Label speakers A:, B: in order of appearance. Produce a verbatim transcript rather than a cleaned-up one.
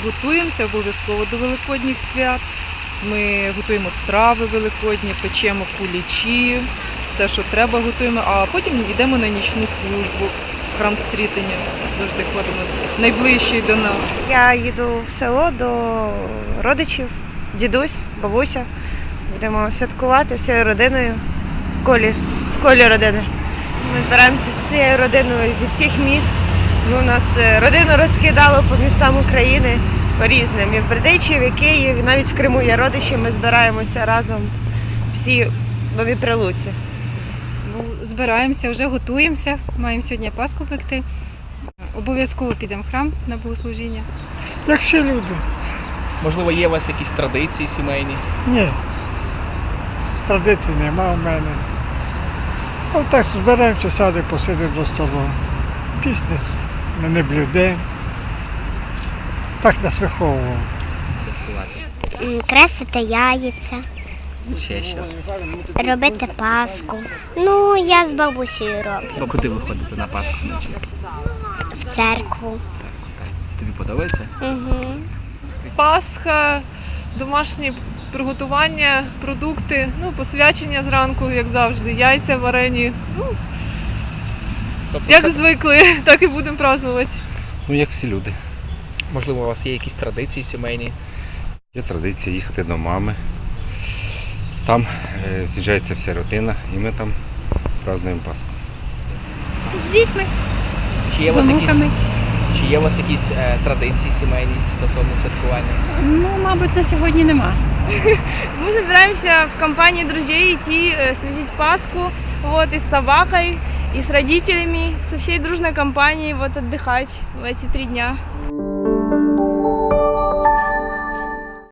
A: готуємося обов'язково до великодніх свят. Ми готуємо страви великодні, печемо кулічі, все, що треба, готуємо, а потім йдемо на нічну службу. Храм Стрітення завжди ходимо, найближчий до нас.
B: Я їду в село до родичів, дідусь, бабуся. Будемо святкувати з цією родиною в колі, в колі родини. Ми збираємося з цією родиною зі всіх міст. Ну, у нас родину розкидало по містам України по різним. І в Бердичеві, і в Києві, навіть в Криму є родичі. Ми збираємося разом всі в Новій Прилуці.
C: Ну, збираємося, вже готуємося, маємо сьогодні Пасху пекти. Обов'язково підемо в храм на богослужіння.
D: Як всі люди.
E: Можливо, є у вас якісь традиції сімейні?
D: Ні. Традицій нема в мене. А так збираємося, садимо, посидимо до столу. Пісні ми не блюдемо. Так нас виховувало.
E: Святкувати.
F: Кресити яйця,
E: Ще що?
F: робити паску. Ну, я з бабусею роблю.
E: Бо куди ви ходите на Пасху вночі?
F: В церкву.
E: Тобі подобається?
F: Угу.
G: Пасха, домашні приготування, продукти, ну, посвячення зранку, як завжди, яйця варені. Ну,
E: Тобто
G: як
E: все-
G: звикли, так і будемо празднувати.
H: Ну, як всі люди.
E: Можливо, у вас є якісь традиції сімейні?
H: Є традиція їхати до мами. Там е, з'їжджається вся родина і ми там празднуємо Пасху.
C: З дітьми,
E: Чи є у
C: з
E: вас якісь,
C: онуками.
E: чи є у вас якісь е, традиції сімейні стосовно святкування?
C: Ну, мабуть, на сьогодні нема.
I: Мы собираемся в компании друзей идти э, связить Пасху вот, и с собакой, и с родителями, со всей дружной компанией вот, отдыхать в эти три дня.